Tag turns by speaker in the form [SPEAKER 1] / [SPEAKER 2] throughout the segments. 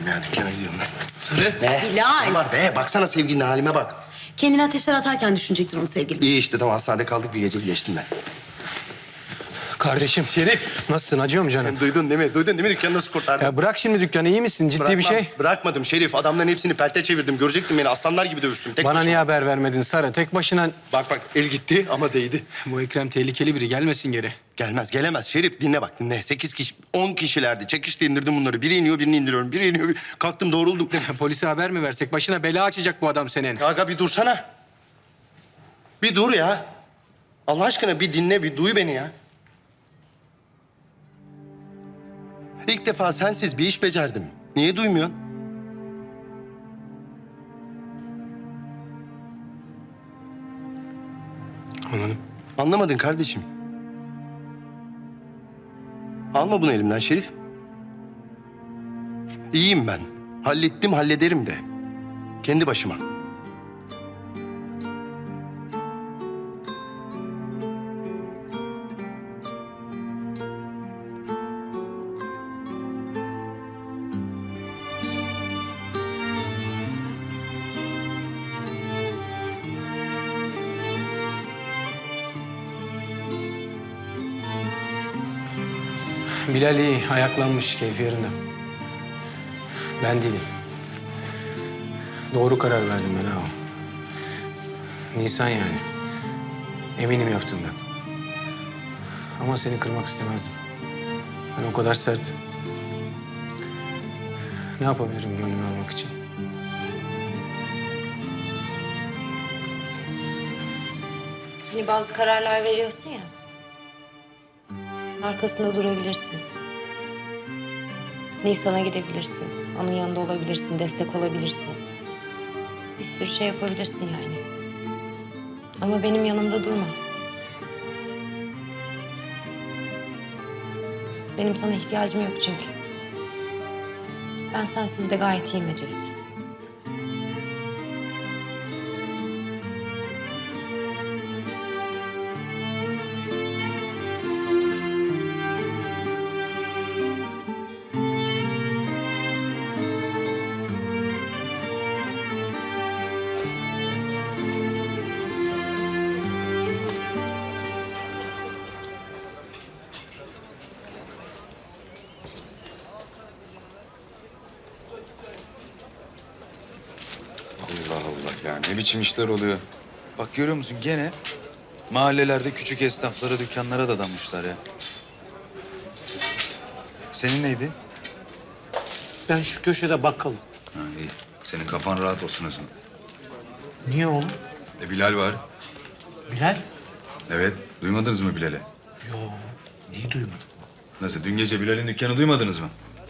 [SPEAKER 1] ya. Dükkana gidiyorum ben.
[SPEAKER 2] Sarı.
[SPEAKER 1] Ne?
[SPEAKER 3] Bilal.
[SPEAKER 1] Ne var be? Baksana sevgilinin halime bak.
[SPEAKER 3] Kendini ateşler atarken düşünecektir onu sevgilim.
[SPEAKER 1] İyi işte tamam hastanede kaldık bir gece geçtim ben.
[SPEAKER 2] Kardeşim.
[SPEAKER 1] Şerif.
[SPEAKER 2] Nasılsın? Acıyor mu canım?
[SPEAKER 1] Duydun değil mi? Duydun değil mi? Dükkanı nasıl kurtardım?
[SPEAKER 2] Ya bırak şimdi dükkanı. İyi misin? Ciddi bir şey.
[SPEAKER 1] Bırakmadım Şerif. Adamların hepsini pelte çevirdim. Görecektin beni. Aslanlar gibi dövüştüm. Tek
[SPEAKER 2] Bana
[SPEAKER 1] başıma.
[SPEAKER 2] niye haber vermedin Sarı? Tek başına...
[SPEAKER 1] Bak el gitti ama değdi.
[SPEAKER 2] Bu Ekrem tehlikeli biri. Gelmesin geri.
[SPEAKER 1] Gelmez gelemez. Şerif dinle bak dinle. 8 kişi 10 kişilerdi. Çekişte indirdim bunları. Biri iniyor birini indiriyorum. Biri iniyor. Kalktım doğruldum.
[SPEAKER 2] Polise haber mi versek? Başına bela açacak bu adam senin.
[SPEAKER 1] Aga bir dursana. Bir dur ya. Allah aşkına bir dinle, bir duy beni ya. İlk defa sensiz bir iş becerdim. Niye duymuyorsun?
[SPEAKER 2] Anladım.
[SPEAKER 1] Anlamadın kardeşim. Alma bunu elimden Şerif. İyiyim ben. Hallettim, hallederim de. Kendi başıma.
[SPEAKER 2] Bilal iyi. Ayaklanmış. Keyfi yerinde. Ben değilim. Doğru karar verdim ben ha. Nisan yani. Eminim yaptığımdan. Ama seni kırmak istemezdim. Ben o kadar sert. Ne yapabilirim gönlünü almak için?
[SPEAKER 3] Hani bazı kararlar veriyorsun ya. Arkasında durabilirsin. Nisan'a gidebilirsin. Onun yanında olabilirsin, destek olabilirsin. Bir sürü şey yapabilirsin yani. Ama benim yanımda durma. Benim sana ihtiyacım yok çünkü. Ben sensiz de gayet iyiyim Ecevit.
[SPEAKER 4] Allah Allah ya ne biçim işler oluyor. Bak görüyor musun gene mahallelerde küçük esnaflara, dükkanlara dadanmışlar ya. Senin neydi?
[SPEAKER 5] Ben şu köşede bakkalım.
[SPEAKER 4] Ha iyi. Senin kafan rahat olsun o zaman.
[SPEAKER 5] Niye oğlum?
[SPEAKER 4] Bilal var.
[SPEAKER 5] Bilal?
[SPEAKER 4] Evet. Duymadınız mı Bilal'i?
[SPEAKER 5] Yo, neyi duymadım?
[SPEAKER 4] Nasıl? Dün gece Bilal'in dükkanı duymadınız mı?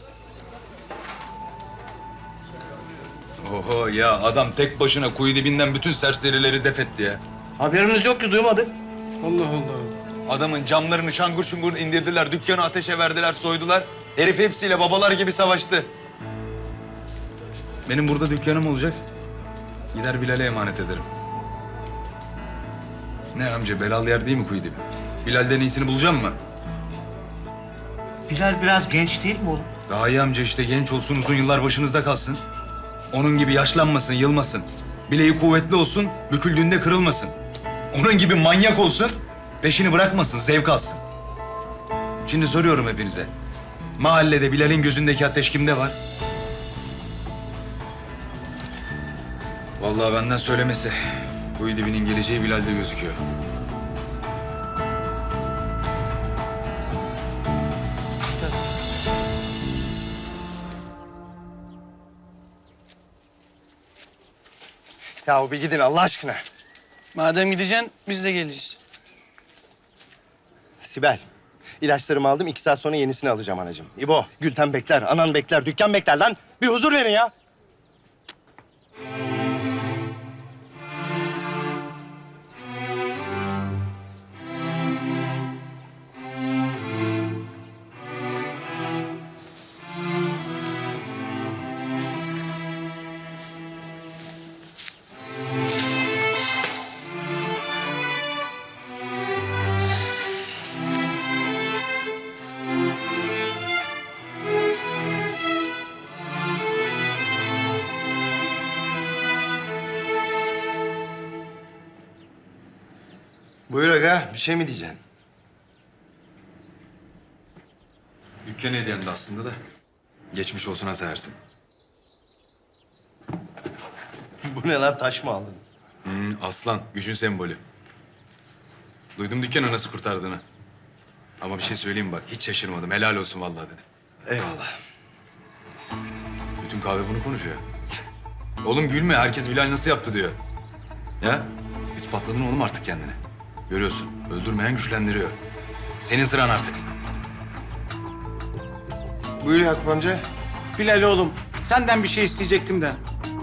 [SPEAKER 4] Oho ya adam tek başına kuyu dibinden bütün serserileri def etti ya.
[SPEAKER 5] Haberimiz yok ki duymadık.
[SPEAKER 2] Allah Allah.
[SPEAKER 4] Adamın camlarını şangur şungur indirdiler, dükkanı ateşe verdiler, soydular. Herif hepsiyle babalar gibi savaştı. Benim burada dükkanım olacak. Gider Bilal'e emanet ederim. Ne amca, belalı yer değil mi kuyu dibi? Bilal'den iyisini bulacağım mı?
[SPEAKER 5] Bilal biraz genç değil mi oğlum?
[SPEAKER 4] Daha iyi amca işte genç olsun, uzun yıllar başınızda kalsın. Onun gibi yaşlanmasın, yılmasın. Bileği kuvvetli olsun, büküldüğünde kırılmasın. Onun gibi manyak olsun, peşini bırakmasın, zevk alsın. Şimdi soruyorum hepinize. Mahallede Bilal'in gözündeki ateş kimde var? Vallahi benden söylemesi. Kuyu dibinin geleceği Bilal'de gözüküyor.
[SPEAKER 1] Ya bir gidin Allah aşkına.
[SPEAKER 5] Madem gideceksin biz de geleceğiz.
[SPEAKER 1] Sibel, ilaçlarımı aldım. 2 saat sonra yenisini alacağım anacığım. İbo, Gülten bekler, anan bekler, dükkan bekler lan. Bir huzur verin ya. Buyur aga, bir şey mi diyeceksin?
[SPEAKER 4] Dükkan hediyendi aslında da. Geçmiş olsuna sayarsın.
[SPEAKER 1] Bu ne lan, taş mı aldın?
[SPEAKER 4] Aslan, gücün sembolü. Duydum dükkanı nasıl kurtardığını. Ama bir şey söyleyeyim bak, hiç şaşırmadım. Helal olsun vallahi dedim.
[SPEAKER 1] Eyvallah.
[SPEAKER 4] Bütün kahve bunu konuşuyor. Oğlum gülme, herkes Bilal nasıl yaptı diyor. Ya, ispatladın oğlum artık kendini. Görüyorsun, öldürmeyen güçlendiriyor. Senin sıran artık.
[SPEAKER 1] Buyur Yakup amca.
[SPEAKER 5] Bilal oğlum, senden bir şey isteyecektim de.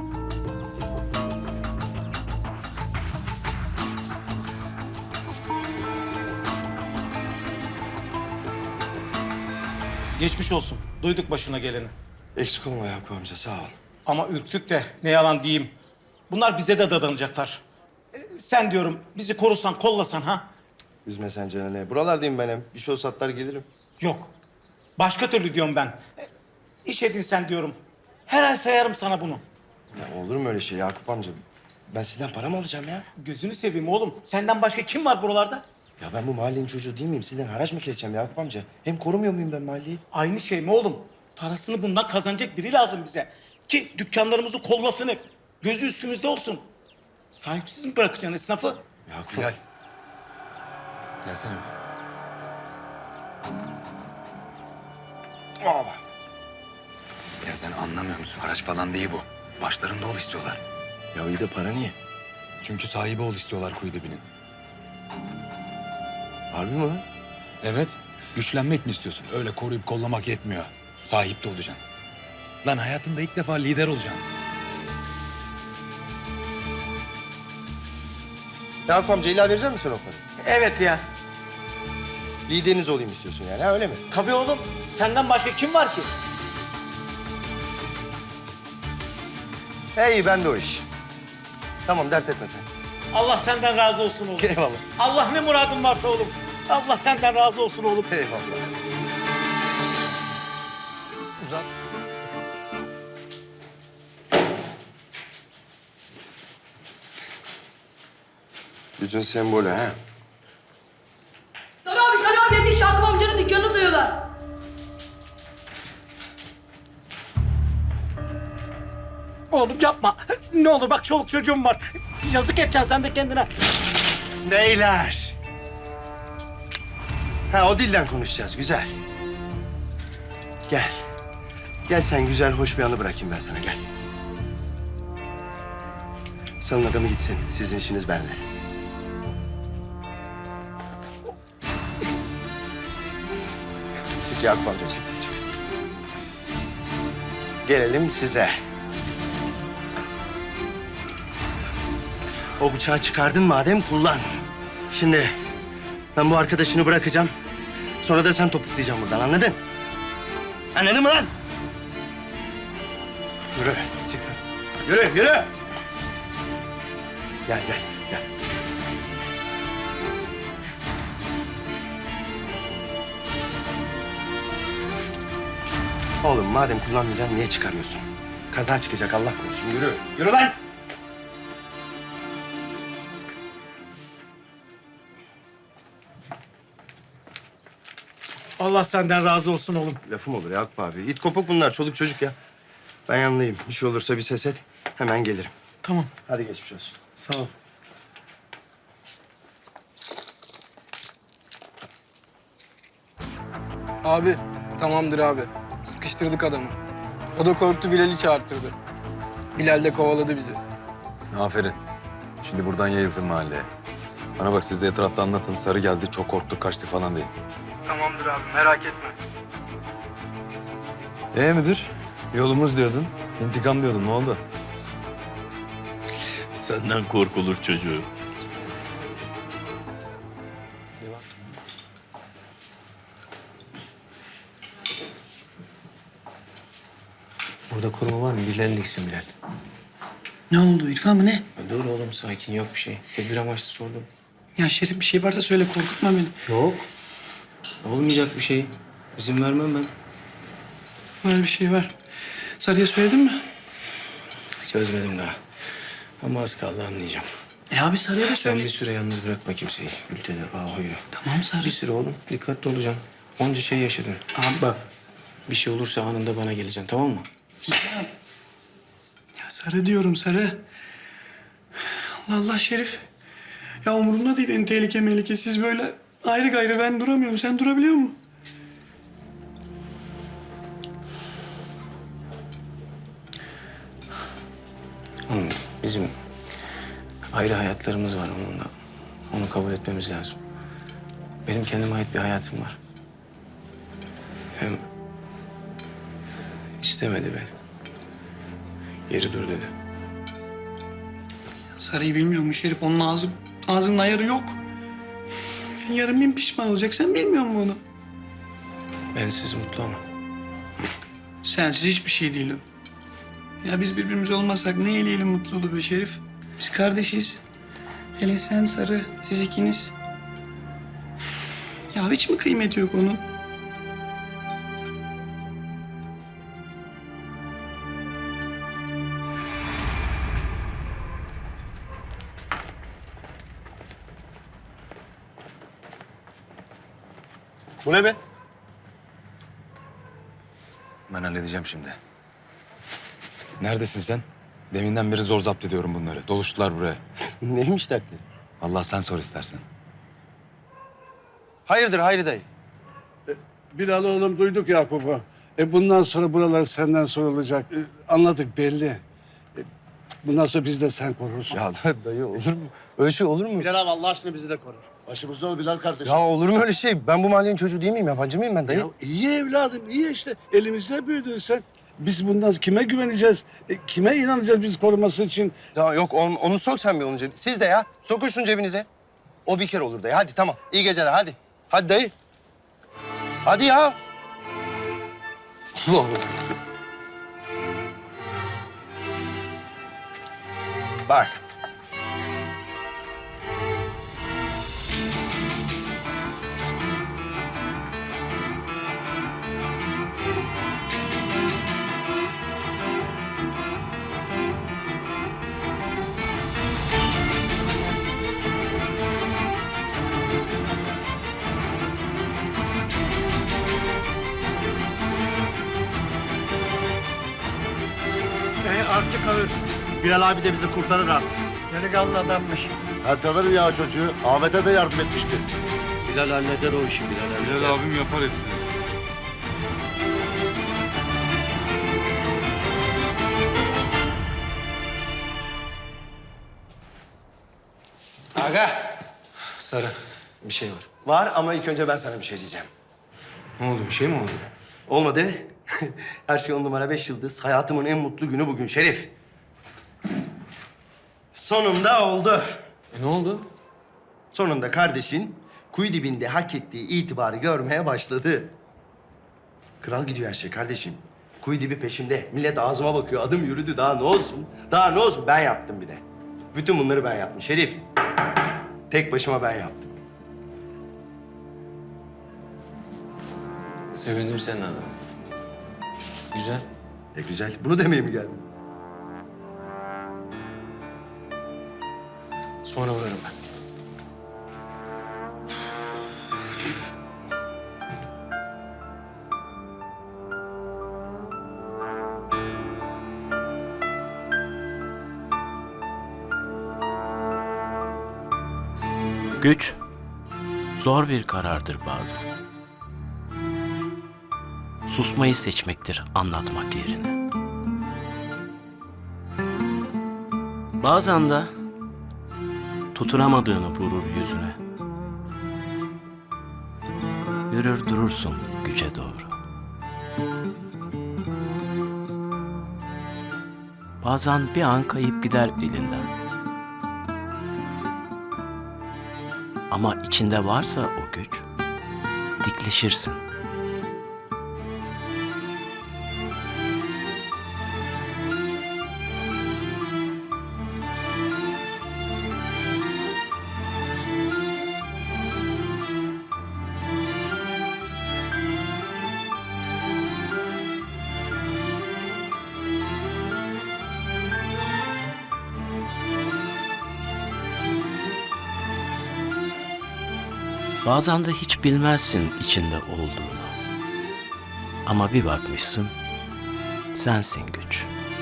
[SPEAKER 5] Geçmiş olsun. Duyduk başına geleni.
[SPEAKER 1] Eksik olma Yakup amca, sağ ol.
[SPEAKER 5] Ama ürktük de ne yalan diyeyim. Bunlar bize de dadanacaklar. Sen diyorum bizi korusan, kollasan ha?
[SPEAKER 1] Üzme sen canını. Buralardayım ben hem. Bir şey olsa atlar gelirim.
[SPEAKER 5] Yok. Başka türlü diyorum ben. İş edinsen diyorum. Her ay sayarım sana bunu.
[SPEAKER 1] Ya olur mu öyle şey Yakup amca? Ben sizden para mı alacağım ya?
[SPEAKER 5] Gözünü seveyim oğlum. Senden başka kim var buralarda?
[SPEAKER 1] Ya ben bu mahallenin çocuğu değil miyim? Sizden haraç mı keseceğim Yakup amca? Hem korumuyor muyum ben mahalleyi?
[SPEAKER 5] Aynı şey mi oğlum? Parasını bundan kazanacak biri lazım bize. Ki dükkanlarımızı kollasın hep. Gözü üstümüzde olsun. Sahipsiz mi bırakacaksın esnafı?
[SPEAKER 1] Yakup.
[SPEAKER 4] Bilal. Gelsene bir.
[SPEAKER 1] Aa,
[SPEAKER 4] Ya sen anlamıyor musun? Haraç falan değil bu. Başlarında ol istiyorlar.
[SPEAKER 1] ya iyi de para niye?
[SPEAKER 4] Çünkü sahibi ol istiyorlar kuyu dibinin.
[SPEAKER 1] Harbi mi lan?
[SPEAKER 4] Evet. Güçlenmek mi istiyorsun? Öyle koruyup kollamak yetmiyor. Sahip de olacaksın. Lan hayatında ilk defa lider olacaksın.
[SPEAKER 1] Yakup amca illa verecek misin o parayı?
[SPEAKER 5] Evet ya.
[SPEAKER 1] Lideriniz olayım istiyorsun yani, ha öyle mi?
[SPEAKER 5] Tabii oğlum. Senden başka kim var ki?
[SPEAKER 1] Hey ben de o iş. Tamam dert etme sen.
[SPEAKER 5] Allah senden razı olsun oğlum.
[SPEAKER 1] Eyvallah.
[SPEAKER 5] Allah ne muradın varsa oğlum. Allah senden razı olsun oğlum.
[SPEAKER 1] Eyvallah. Uzat. Gücün sembolü ha.
[SPEAKER 6] Sarı abi yetiş. Yakup amcanın dükkanını soyuyorlar.
[SPEAKER 5] Oğlum yapma. Ne olur bak çoluk çocuğum var. Yazık edeceksin sen de kendine.
[SPEAKER 1] Beyler. Ha o dilden konuşacağız, güzel. Gel. Gel sen güzel, hoş bir anı bırakayım ben sana, gel. Salın adamı gitsin, sizin işiniz benimle. Çık Yakup amca, çık. Gelelim size. O bıçağı çıkardın madem kullan. Şimdi ben bu arkadaşını bırakacağım. Sonra da sen topuklayacaksın buradan, anladın? Anladın mı lan? Yürü, çık lan. Yürü. Gel. Oğlum madem kullanmayacaksın niye çıkarıyorsun? Kaza çıkacak Allah korusun. Yürü lan!
[SPEAKER 5] Allah senden razı olsun oğlum.
[SPEAKER 1] Lafım olur Yakup abi. İt kopuk bunlar, çoluk çocuk ya. Ben yanındayım. Bir şey olursa bir ses et. Hemen gelirim.
[SPEAKER 5] Tamam.
[SPEAKER 1] Hadi geçmiş olsun.
[SPEAKER 5] Sağ ol.
[SPEAKER 7] Abi, tamamdır abi. Sıkıştırdık adamı. O da korktu, Bilal'i çağırttırdı. Bilal de kovaladı bizi.
[SPEAKER 8] Aferin. Şimdi buradan yayılsın mahalleye. Bana bak siz de etrafta anlatın. Sarı geldi, çok korktuk, kaçtık falan deyin.
[SPEAKER 7] Tamamdır abi, merak etme.
[SPEAKER 8] Müdür? Yolumuz diyordun. İntikam diyordun. Ne oldu?
[SPEAKER 9] Senden korkulur çocuğu.
[SPEAKER 2] Burada koruma var mı? Bilenliksin Bilal.
[SPEAKER 10] Ne oldu İrfan mı ne?
[SPEAKER 2] Dur oğlum sakin yok bir şey. Tedbir amaçlı sordum.
[SPEAKER 10] Ya Şerif bir şey varsa söyle korkutma beni.
[SPEAKER 2] Yok. Olmayacak bir şey. İzin vermem ben.
[SPEAKER 10] Var bir şey var. Sarı'ya söyledin mi?
[SPEAKER 2] Çözmedim daha. Ama az kaldı anlayacağım.
[SPEAKER 10] Abi Sarı'ya da
[SPEAKER 2] Sen
[SPEAKER 10] söyle.
[SPEAKER 2] bir süre yalnız bırakma kimseyi. Gülten'i, Ahu'yu.
[SPEAKER 10] Tamam Sarı.
[SPEAKER 2] Bir süre oğlum. Dikkatli olacaksın. Onca şey yaşadın. Abi bak. Bir şey olursa anında bana geleceksin, tamam mı?
[SPEAKER 10] Ya Sarı diyorum Sarı. Allah Allah Şerif. Ya umurumda değil en tehlike melike. Siz böyle ayrı gayrı ben duramıyorum. Sen durabiliyor musun?
[SPEAKER 2] Oğlum, bizim ayrı hayatlarımız var onunla. Onu kabul etmemiz lazım. Benim kendime ait bir hayatım var. Hem istemedi beni. Geri dur dedi.
[SPEAKER 10] Sarı'yı bilmiyor mu Şerif? Onun ağzının ayarı yok. Yarın bin pişman olacak. Sen bilmiyor musun onu?
[SPEAKER 2] Bensiz mutlu ama.
[SPEAKER 10] Sensiz hiçbir şey değil o. Ya biz birbirimiz olmazsak ne eleyelim mutluluğu be Şerif? Biz kardeşiz. Hele sen Sarı, siz ikiniz. Ya hiç mi kıymeti yok onun?
[SPEAKER 1] Bu ne be?
[SPEAKER 8] Ben halledeceğim şimdi. Neredesin sen? Deminden beri zor zapt ediyorum bunları. Doluştular buraya.
[SPEAKER 1] Neymiş dertleri?
[SPEAKER 8] Allah sen sor istersen.
[SPEAKER 1] Hayırdır Hayri dayı?
[SPEAKER 11] Bilal oğlum duyduk Yakup'u. Bundan sonra buralar senden sorulacak. Anladık belli. Bundan sonra biz de sen korursun.
[SPEAKER 1] Ya dayı olur mu? Öyle şey olur mu?
[SPEAKER 11] Bilal abi Allah aşkına bizi de koru. Başımızda ol Bilal kardeşim.
[SPEAKER 1] Ya olur mu öyle şey? Ben bu mahallenin çocuğu değil miyim? Yabancı mıyım ben dayı?
[SPEAKER 11] Ya iyi evladım iyi işte. Elimizde büyüdün sen. Biz bundan kime güveneceğiz? Kime inanacağız biz koruması için?
[SPEAKER 1] Ya yok onu sok sen bir onun cebine. Siz de ya. Sokun şunu cebinize. O bir kere olur dayı. Hadi tamam. İyi geceler hadi. Hadi dayı. Hadi ya. Allah Allah. Bak.
[SPEAKER 11] Artık alır. Bilal abi de bizi kurtarır artık.
[SPEAKER 1] Delikanlı adammış.
[SPEAKER 11] Ben tanırım ya çocuğu. Ahmet'e de yardım etmişti.
[SPEAKER 9] Bilal halleder o işi Bilal.
[SPEAKER 8] Bilal abim yapar hepsini.
[SPEAKER 1] Aga.
[SPEAKER 2] Sarı, bir şey var.
[SPEAKER 1] Var ama ilk önce ben sana bir şey diyeceğim.
[SPEAKER 2] Ne oldu, bir şey mi oldu?
[SPEAKER 1] Olmadı. Her şey 10 numara 5 yıldız. Hayatımın en mutlu günü bugün Şerif. Sonunda oldu.
[SPEAKER 2] Ne oldu?
[SPEAKER 1] Sonunda kardeşin kuyu dibinde hak ettiği itibarı görmeye başladı. Kral gidiyor her şey kardeşim. Kuyu dibi peşimde. Millet ağzıma bakıyor. Adım yürüdü. Daha ne olsun? Daha ne olsun? Ben yaptım bir de. Bütün bunları ben yaptım Şerif. Tek başıma ben yaptım.
[SPEAKER 2] Sevindim senin adına. Güzel.
[SPEAKER 1] Güzel. Bunu demeye mi geldin?
[SPEAKER 2] Sonra uğrarım ben.
[SPEAKER 9] Güç zor bir karardır bazen. Susmayı seçmektir anlatmak yerine. Bazen de tutunamadığını vurur yüzüne. Yürür durursun güce doğru. Bazen bir an kayıp gider elinden. Ama içinde varsa o güç, dikleşirsin. Bazen de hiç bilmezsin içinde olduğunu. Ama bir bakmışsın, sensin güç.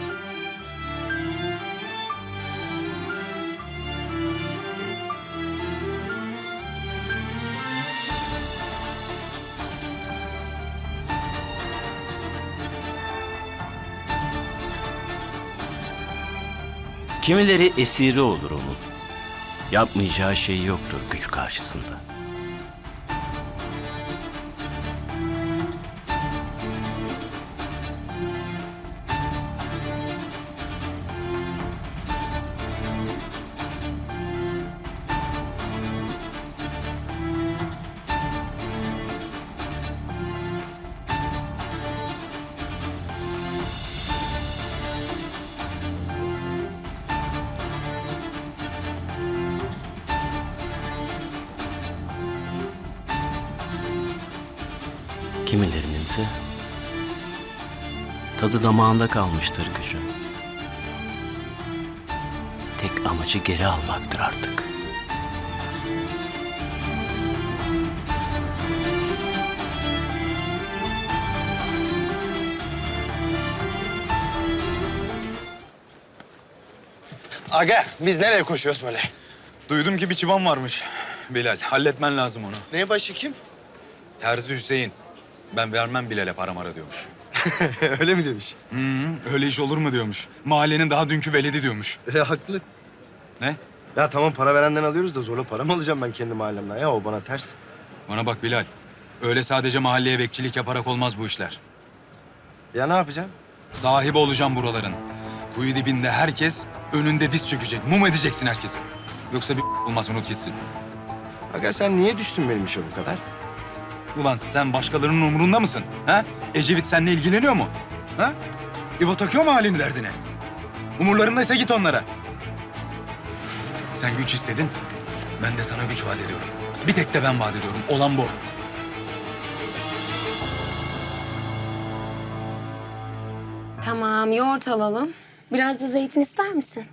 [SPEAKER 9] Kimileri esiri olur onun. Yapmayacağı şey yoktur güç karşısında. Kimilerinin ise tadı damağında kalmıştır gücün. Tek amacı geri almaktır artık.
[SPEAKER 1] Aga biz nereye koşuyoruz böyle?
[SPEAKER 4] Duydum ki bir çıban varmış Bilal. Halletmen lazım onu.
[SPEAKER 1] Ne başı kim?
[SPEAKER 4] Terzi Hüseyin. Ben vermem Bilal'e para mara diyormuş.
[SPEAKER 1] Öyle mi demiş?
[SPEAKER 4] Öyle iş olur mu diyormuş. Mahallenin daha dünkü veledi diyormuş.
[SPEAKER 1] Haklı.
[SPEAKER 4] Ne?
[SPEAKER 1] Ya tamam para verenden alıyoruz da zorla para mı alacağım ben kendi mahallemden? Ya o bana ters.
[SPEAKER 4] Bana bak Bilal. Öyle sadece mahalleye bekçilik yaparak olmaz bu işler.
[SPEAKER 1] Ya ne yapacağım?
[SPEAKER 4] Sahibi olacağım buraların. Kuyu dibinde herkes önünde diz çökecek. Mum edeceksin herkesi. Yoksa bir olmaz, unut gitsin.
[SPEAKER 1] Aga sen niye düştün benim işe bu kadar?
[SPEAKER 4] Ulan sen başkalarının umurunda mısın? Ha? Ecevit seninle ilgileniyor mu? Ha? İbo takıyor mu halini derdine? Umurlarındaysa git onlara. Sen güç istedin. Ben de sana güç vaat ediyorum. Bir tek de ben vaat ediyorum. Olan bu.
[SPEAKER 3] Tamam, yoğurt alalım. Biraz da zeytin ister misin?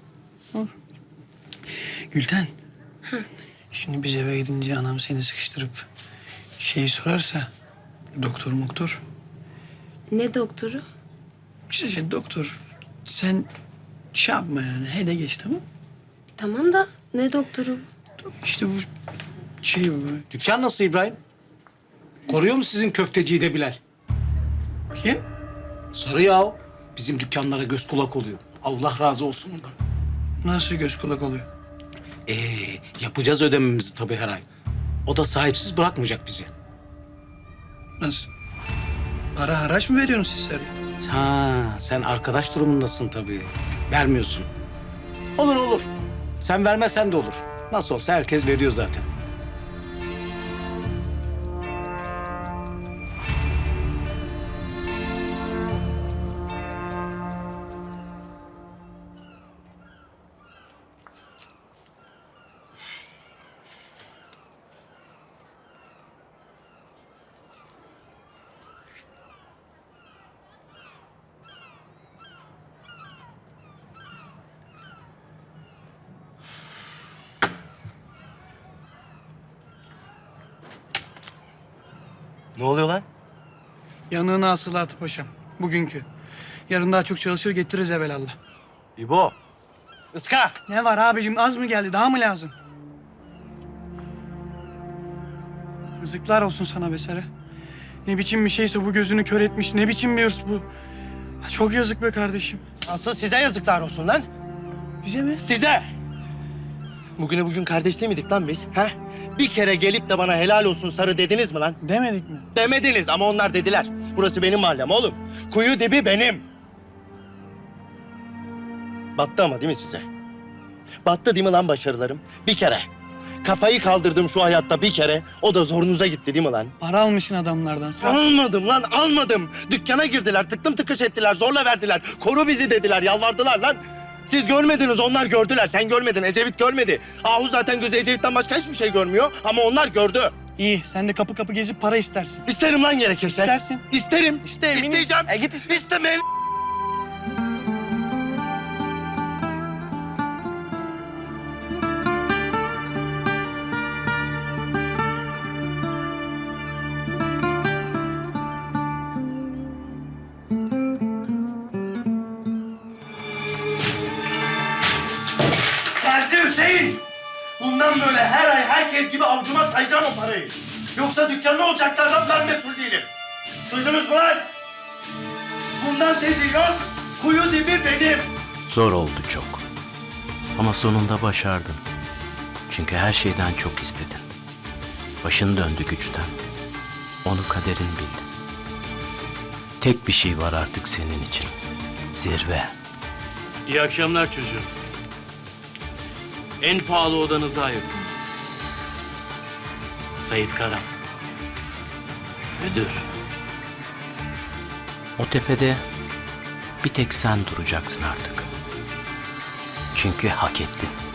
[SPEAKER 10] Gülten. Şimdi biz eve gidince anam seni sıkıştırıp şeyi sorarsa doktor.
[SPEAKER 3] Ne doktoru?
[SPEAKER 10] İşte doktor sen şey yapma yani he de geç tamam.
[SPEAKER 3] Tamam da ne doktoru?
[SPEAKER 10] İşte bu şey bu.
[SPEAKER 5] Dükkan nasıl İbrahim? Koruyor mu sizin köfteciyi de Bilal?
[SPEAKER 10] Kim?
[SPEAKER 5] Sarı ya o. Bizim dükkanlara göz kulak oluyor. Allah razı olsun ondan.
[SPEAKER 10] Nasıl göz kulak oluyor?
[SPEAKER 5] Yapacağız ödememizi tabii her ay. O da sahipsiz bırakmayacak bizi.
[SPEAKER 10] Nasıl? Para haraç mı veriyorsunuz siz Sarı'ya?
[SPEAKER 5] Ha, sen arkadaş durumundasın tabii. Vermiyorsun. Olur. Sen vermesen de olur. Nasıl olsa herkes veriyor zaten.
[SPEAKER 1] Ne oluyor lan?
[SPEAKER 10] Yanığına hasılatı paşam. Bugünkü. Yarın daha çok çalışır getiririz evelallah.
[SPEAKER 1] İbo. Iska.
[SPEAKER 10] Ne var abicim az mı geldi daha mı lazım? Yazıklar olsun sana be Sarı. Ne biçim bir şeyse bu gözünü kör etmiş. Ne biçim bir hırs bu. Çok yazık be kardeşim.
[SPEAKER 1] Asıl size yazıklar olsun lan.
[SPEAKER 10] Bize mi?
[SPEAKER 1] Size. Bugüne bugün kardeş değil miydik lan biz? Ha? Bir kere gelip de bana helal olsun Sarı dediniz mi lan?
[SPEAKER 10] Demedik mi?
[SPEAKER 1] Demediniz ama onlar dediler. Burası benim mahallem oğlum. Kuyu dibi benim. Battı ama değil mi size? Battı değil mi lan başarılarım? Bir kere. Kafayı kaldırdım şu hayatta bir kere. O da zorunuza gitti değil mi lan?
[SPEAKER 10] Para almışsın adamlardan.
[SPEAKER 1] Almadım lan almadım. Dükkana girdiler tıktım tıkış ettiler zorla verdiler. Koru bizi dediler yalvardılar lan. Siz görmediniz onlar gördüler. Sen görmedin Ecevit görmedi. Ahu zaten gözü Ecevit'ten başka hiçbir şey görmüyor. Ama onlar gördü.
[SPEAKER 10] İyi sen de kapı kapı gezip para istersin.
[SPEAKER 1] İsterim lan gerekirse.
[SPEAKER 10] İstersin.
[SPEAKER 1] İsterim.
[SPEAKER 10] İste, eminim.
[SPEAKER 1] İsteyeceğim.
[SPEAKER 10] Git iste.
[SPEAKER 1] İstemeyin. Bundan böyle her ay herkes gibi avcuma sayacağım o parayı. Yoksa dükkanda olacaklardan ben mesul değilim. Duydunuz mu lan? Bundan tezi yok. Kuyu dibi benim.
[SPEAKER 9] Zor oldu çok. Ama sonunda başardın. Çünkü her şeyden çok istedin. Başın döndü güçten. Onu kaderin bildi. Tek bir şey var artık senin için. Zirve.
[SPEAKER 12] İyi akşamlar çocuğum. En pahalı odanızı ayırdım. Sait Karam. Müdür.
[SPEAKER 9] O tepede bir tek sen duracaksın artık. Çünkü hak ettin.